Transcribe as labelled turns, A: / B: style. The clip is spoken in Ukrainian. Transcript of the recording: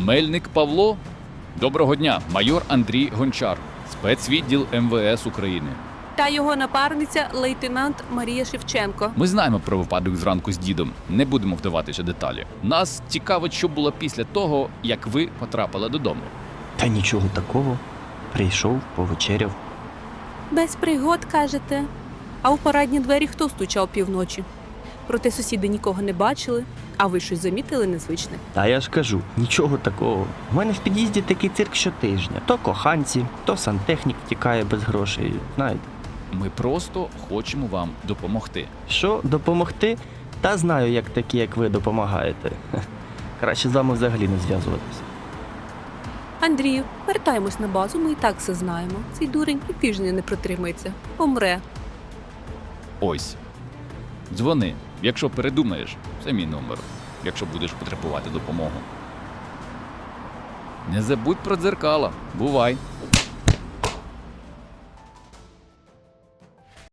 A: Мельник Павло? Доброго дня, майор Андрій Гончар, спецвідділ МВС України.
B: Та його напарниця лейтенант Марія Шевченко.
A: Ми знаємо про випадок зранку з дідом, не будемо вдаватися деталі. Нас цікавить, що було після того, як ви потрапили додому.
C: Та нічого такого. Прийшов, повечеряв.
B: Без пригод, кажете? А у парадні двері хто стучав півночі? Проте сусіди нікого не бачили, а ви щось замітили незвичне?
C: Та я ж кажу, нічого такого. У мене в під'їзді такий цирк щотижня. То коханці, то сантехнік втікає без грошей, знаєте.
A: Ми просто хочемо вам допомогти.
C: Що, допомогти? Та знаю, як такі, як ви, допомагаєте. Краще з вами взагалі не зв'язуватися.
B: Андрію, вертаємось на базу, ми і так все знаємо. Цей дурень і тижня не протримається. Помре.
A: Ось. Дзвони. Якщо передумаєш, це мій номер. Якщо будеш потребувати допомогу. Не забудь про дзеркала. Бувай.